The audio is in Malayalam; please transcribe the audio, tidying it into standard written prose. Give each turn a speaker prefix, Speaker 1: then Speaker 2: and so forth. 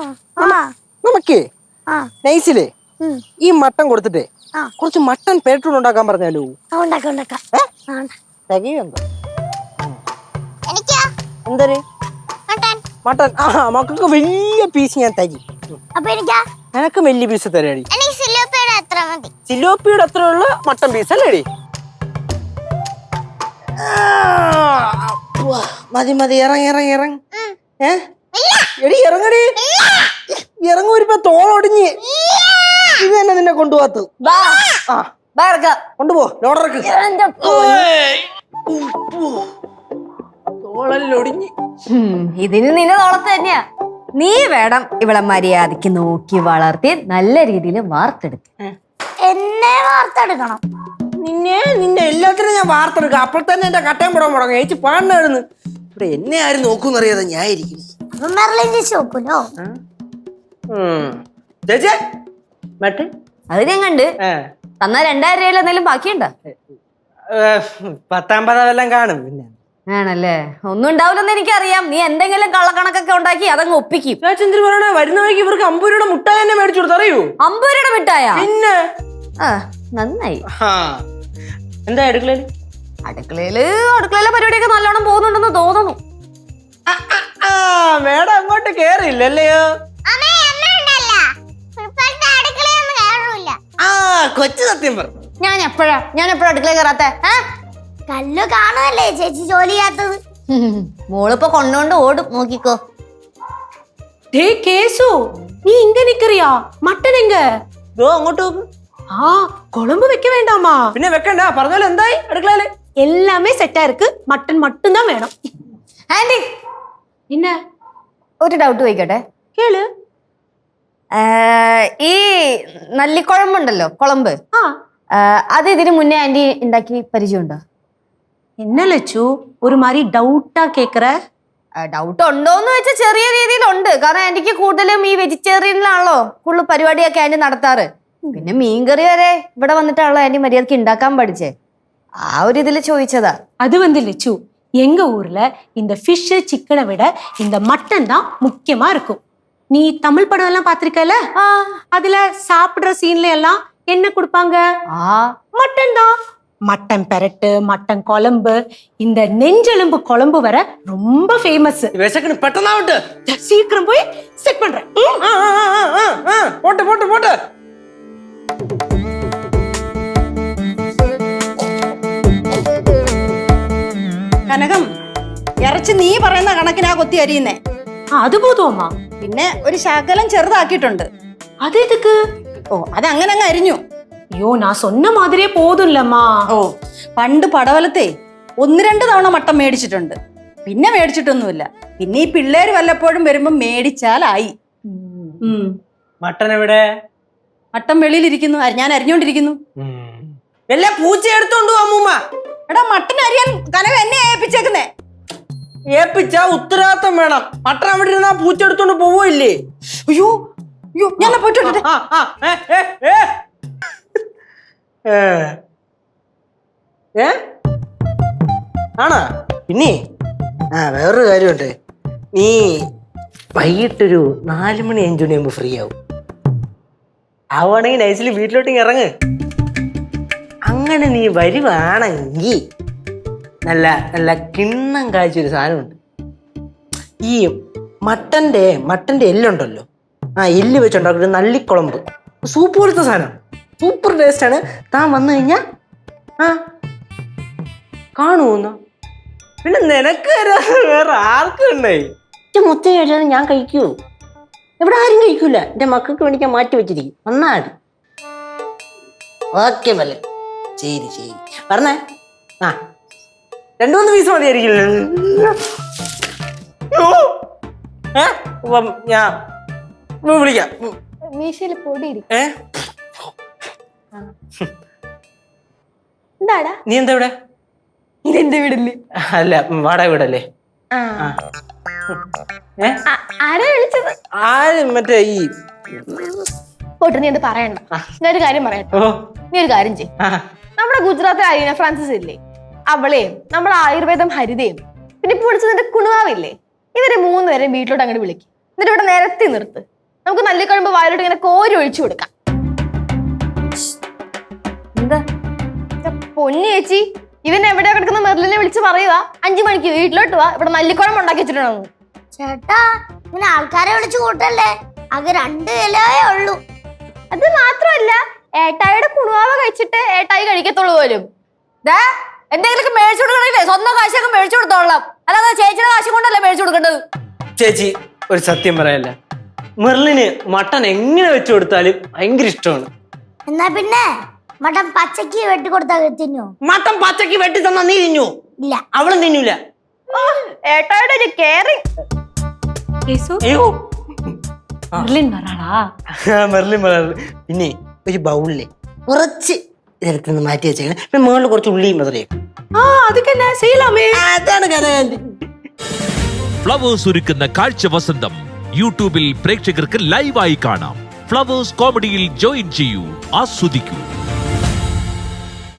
Speaker 1: നമുക്കേ നൈസിലേ ഈ മട്ടൻ കൊടുത്തിട്ടേ കുറച്ച് മട്ടൻ പേട്ടൂൺ ഉണ്ടാക്കാൻ പറഞ്ഞാലോ? എന്തൊരു മട്ടൻ? മക്കൾക്ക് വലിയ പീസ് ഞാൻ തരി. എനക്ക് വലിയ പീസ് തരാടി. സിലോപ്പിയുടെ അത്ര ഉള്ള മട്ടൻ പീസ് അല്ലേടി? മതി മതി, ഇറങ്ങി ഇറങ്ങി ഇറങ്ങി. എടി ഇറങ്ങടി, ഇറങ്ങൂരിപ്പോ തോളൊടിഞ്ഞ്. ഇത് തന്നെ നിന്നെ കൊണ്ടുപോകത്ത്. കൊണ്ടുപോ, ലോഡർക്ക്. തോളല്ലൊടിഞ്ഞ്.
Speaker 2: ഇതിന് നിന്നെ തോളത്ത് തന്നെയാ. നീ വേണം ഇവളെ മര്യാദക്ക് നോക്കി വളർത്തി നല്ല രീതിയിൽ വാർത്തെടുക്ക.
Speaker 3: എന്നെ വാർത്തെടുക്കണം?
Speaker 1: നിന്റെ എല്ലാത്തിനും ഞാൻ വാർത്തെടുക്കാം. അപ്പോൾ തന്നെ എന്റെ കട്ടയം പോടാൻ മുടങ്ങും. ചേച്ചി പാണ്ടായിരുന്നു. ഇവിടെ എന്നെ ആരും നോക്കൂന്നറിയാതെ ഞാൻ ഇരിക്കും.
Speaker 3: നോക്കൂലോ
Speaker 1: ചേച്ചി മട്ട്
Speaker 2: അത് ഞാൻ കണ്ട്. തന്നാ 2000 രൂപയിൽ എന്തെങ്കിലും ബാക്കിയുണ്ടോ?
Speaker 1: 10-50 വല്ലം കാണും. പിന്നെ
Speaker 2: ആണല്ലേ, ഒന്നും ഉണ്ടാവില്ലെന്ന് എനിക്കറിയാം. നീ എന്തെങ്കിലും കള്ളക്കണക്കൊക്കെ ഉണ്ടാക്കി അതങ്ങ് ഒപ്പിക്കും.
Speaker 1: ചന്ദ്രൻ പറയണേ, വരുന്ന വഴിക്ക് ഇവർക്ക് 50 രൂപയുടെ മുട്ടായി തന്നെ മേടിച്ചു കൊടുത്തു. അറിയൂ?
Speaker 2: 50 രൂപയുടെ മിഠായ?
Speaker 1: പിന്നെ
Speaker 2: നന്നായി.
Speaker 1: എന്താ അടുക്കളയില്?
Speaker 2: അടുക്കളയിലെ പരിപാടിയൊക്കെ നല്ലോണം പോകുന്നുണ്ടെന്ന് തോന്നുന്നു.
Speaker 1: മേഡം അങ്ങോട്ട് കേറിയില്ലല്ലയോ? കൊച്ചു സത്യം പറഞ്ഞു.
Speaker 2: ഞാൻ എപ്പോഴാ അടുക്കള കയറാത്തെ?
Speaker 3: കല്ലു കാണുമല്ലേ ചേച്ചി ജോലി ചെയ്യാത്തത്?
Speaker 2: മോളിപ്പോ കൊണ്ടോണ്ട് ഓടും, നോക്കിക്കോ.
Speaker 4: കേസു, നീ ഇങ്ങ നിക്കറിയാ? മട്ടൻ എങ്ക?
Speaker 1: അങ്ങോട്ട് നോക്ക്.
Speaker 4: குழம்பு வைக்க வேண்டாமா?
Speaker 1: പിന്നെ വെക്കണ്ട, പറഞ്ഞാലും എന്തായി അടുക്കളയില്?
Speaker 4: எல்லாமே செட்டா இருக்கு. மட்டன் மட்டும் தான் வேணும்.
Speaker 2: ആന്റി,
Speaker 4: என்ன
Speaker 2: ഒരു ഡൗട്ട് ചോദിക്കട്ടെ?
Speaker 4: കേള്.
Speaker 2: ഈ നല്ലിക്കുഴമ്പുണ്ടല്ലോ, കുളമ്പ്, അത് ഇതിന് മുന്നേ ആന്റി ഉണ്ടാക്കി പരിചയമുണ്ടോ?
Speaker 4: என்ன ലച്ചു ഒരു മാതിരി ഡൗട്ടാ കേക്കറ?
Speaker 2: ഡൗട്ട് ഉണ്ടോന്ന് വെച്ചാൽ ചെറിയ രീതിയിലുണ്ട്. കാരണം ആന്റിക്ക് കൂടുതലും ഈ വെജിറ്റേറിയനിലാണല്ലോ കൂടുതൽ പരിപാടിയൊക്കെ ആന്റി നടത്താറ്. പിന്നെ മീൻകറി വരെ ഇവിടെ വന്നിട്ടാണല്ലോ ആന്റി മര്യാദക്ക് ഉണ്ടാക്കാൻ പഠിച്ചേ. ആ ഒരു ഇതിൽ ചോദിച്ചതാ.
Speaker 4: அது லட்சு, எங்க ஊர்ல இந்த ஃபிஷ் சிக்கனை விட இந்த மட்டன் தான் முக்கியமா இருக்கும். நீ தமிழ் படம் எல்லாம் பாத்திருக்கல? அதுல சாப்பிடுற சீன்ல எல்லாம் என்ன கொடுப்பாங்க? மட்டன் தான். மட்டன் பெரட்டு, மட்டன் குழம்பு, இந்த நெஞ்செலும்பு குழம்பு வர ரொம்ப ஃபேமஸ்.
Speaker 1: പെട്ടെന്നാവട്ടെ,
Speaker 4: சீக்கிரம் போய் செட் பண்றேன்.
Speaker 1: போட்டு போட்டு போட்டு.
Speaker 5: കനകം, ഇറച്ചി നീ പറയുന്ന കണക്കിനാ കൊത്തി അരിയുന്നേ.
Speaker 4: അത് പോതുമ്മ.
Speaker 5: പിന്നെ ഒരു ശകലം ചെറുതാക്കിയിട്ടുണ്ട്.
Speaker 4: അതെതുക്ക്?
Speaker 5: അതങ്ങനെ അങ്ങ് അരിഞ്ഞു.
Speaker 4: അയ്യോ, ഞാൻ சொன்ன மாதிரியே போதும்லம்மா.
Speaker 5: പണ്ട് പടവലത്തെ 1-2 തവണ മട്ടൻ മേടിച്ചിട്ടുണ്ട്. പിന്നെ മേടിച്ചിട്ടൊന്നുമില്ല. പിന്നെ ഈ പിള്ളേര് വല്ലപ്പോഴും വരുമ്പോ മേടിച്ചാലായി.
Speaker 1: മട്ടൻ എവിടെ?
Speaker 5: മട്ടൻ വെളിയിലിരിക്കുന്നു, ഞാൻ അരിഞ്ഞോണ്ടിരിക്കുന്നു.
Speaker 1: എല്ലാ പൂച്ച എടുത്തോണ്ടു അമ്മൂമ്മ.
Speaker 5: എടാ, മട്ടൻ അരിയാൻ കനകം എന്നെ ഏൽപ്പിച്ചേക്കുന്നേ.
Speaker 1: ഏൽപ്പിച്ചാ ഉത്തരവാദിത്തം വേണം. മട്ടൻ അവിടെ ഇരുന്നാ പൂച്ച എടുത്തോണ്ട് പോവില്ലേ?
Speaker 5: അയ്യോ അയ്യോ, ഞാൻ പോയിട്ട്
Speaker 1: ആണോ? പിന്നെ വേറൊരു കാര്യമുണ്ട്. നീ വൈകിട്ടൊരു 4 മണി 5 മണിയാകുമ്പോ ഫ്രീ ആവും. ആവുകയാണെങ്കിൽ നൈസിൽ വീട്ടിലോട്ട് ഇറങ്ങ്. അങ്ങനെ നീ വരുവാണെങ്കിൽ നല്ല നല്ല കിണ്ണം കാഴ്ചയൊരു സാധനമുണ്ട്. ഈ മട്ടന്റെ എല്ലുണ്ടല്ലോ, എല്ല് വെച്ചുണ്ടാക്കുന്ന നല്ലിക്കുളമ്പ്, സൂപ്പ് പോലത്തെ സാധനം, സൂപ്പർ ടേസ്റ്റ് ആണ്. താൻ വന്നു കഴിഞ്ഞാ കാണുമെന്നോ? പിന്നെ നിനക്ക് വേറെ ആർക്കും ഉണ്ടായി മുത്ത കഴിച്ചാൽ ഞാൻ കഴിക്കൂ? ഇവിടെ ആരും കഴിക്കൂല. എന്റെ മക്കൾക്ക് വേണ്ടി മാറ്റി വെച്ചിരിക്കും. വന്നാടി. ഓക്കെ മല്ലേ, ശരി ശരി പറഞ്ഞേ. 2-3 പീസ് മതിയായിരിക്കില്ല? ഞാൻ വിളിക്കാം. നീ എന്താ ഇവിടെ?
Speaker 2: ഇതെന്റെ വീടല്ലേ?
Speaker 1: അല്ല, വാടക വീടല്ലേ? മറ്റേ ഈ
Speaker 6: പോട്ട്, നീ എന്ത് പറയണ്ട. ഞാനൊരു കാര്യം പറയട്ടോ. നീ ഒരു കാര്യം ചെയ്യും. നമ്മുടെ ഗുജറാത്തിലെ അരീന ഫ്രാൻസിസ് ഇല്ലേ, അവളെയും നമ്മുടെ ആയുർവേദം ഹരിതയും പിന്നെ ഇപ്പൊ വിളിച്ചതിന്റെ കുണുവാവില്ലേ, ഇവരെ 3 പേരെയും വീട്ടിലോട്ട് അങ്ങോട്ട് വിളിക്കും. എന്നിട്ട് ഇവിടെ നിരത്തി നിർത്ത്. നമുക്ക് നല്ലിക്കഴമ്പ് വായിലോട്ട് ഇങ്ങനെ കോരി ഒഴിച്ചു കൊടുക്കാം.
Speaker 2: എന്താ
Speaker 6: പൊന്നു ചേച്ചി, ഇവൻ എവിടെയാ കിടക്കുന്ന മെർലിനെ വിളിച്ച് പറയുക 5 മണിക്ക് വീട്ടിലോട്ട് വാ, ഇവിടെ നല്ലിക്കുഴമ്പ് ഉണ്ടാക്കി വെച്ചിട്ടുണ്ടെന്ന്.
Speaker 3: ചേട്ടാ ഇങ്ങനെ ആൾക്കാരെ വിളിച്ചു കൂട്ടല്ലേ, ആകെ 2 കിലോയേ ഉള്ളൂ.
Speaker 6: അത് മാത്രമല്ല, ഏട്ടായിയുടെ കുണുവാവ കഴിച്ചിട്ട് ഏട്ടായി കഴിക്കത്തുള്ളൂ പോലും.
Speaker 2: എന്തെങ്കിലുമൊക്കെ മേടിച്ചു കൊടുക്കണില്ലേ? സ്വന്തം കാശൊക്കെ മേടിച്ചു കൊടുത്തോളാം, അല്ലാതെ ചേച്ചിയുടെ കാശ് കൊണ്ടല്ലേ മേടിച്ചു കൊടുക്കേണ്ടത്.
Speaker 1: ചേച്ചി ഒരു സത്യം പറയല്ല, മെർലിന് മട്ടൻ എങ്ങനെ വെച്ചു കൊടുത്താലും ഭയങ്കര ഇഷ്ടമാണ്.
Speaker 3: എന്നാ പിന്നെ മട്ടൻ പച്ചക്ക് വെട്ടിക്കൊടുത്താ തിന്നോ?
Speaker 1: മട്ടൻ പച്ചക്ക് വെട്ടി തന്നാ നീ തിന്നു?
Speaker 3: ഇല്ല.
Speaker 1: അവളും തിന്നൂല.
Speaker 6: ഏട്ടായുടെ ഒരു കെയറിങ്.
Speaker 4: കേസു
Speaker 1: അയ്യോ
Speaker 4: മെർലിൻ വരാളാ?
Speaker 1: മെർലിൻ പിന്നെ ഒരു ബൗളില് കുറച്ച് ഇതെടുത്ത് നിന്ന് മാറ്റി വെച്ചേക്കണം. പിന്നെ മുകളിൽ കുറച്ച് ഉള്ളിയും മധുരയും.
Speaker 4: அதுக்கு என்ன செய்யலாமே?
Speaker 1: അതാണ് കഥ.
Speaker 7: ഫ്ലവേഴ്സ് ഒരുക്കുന്ന കാഴ്ച വസന്തം യൂട്യൂബിൽ പ്രേക്ഷകർക്ക് ലൈവായി കാണാം. ഫ്ലവേഴ്സ് കോമഡിയിൽ ജോയിൻ ചെയ്യൂ, ആസ്വദിക്കൂ.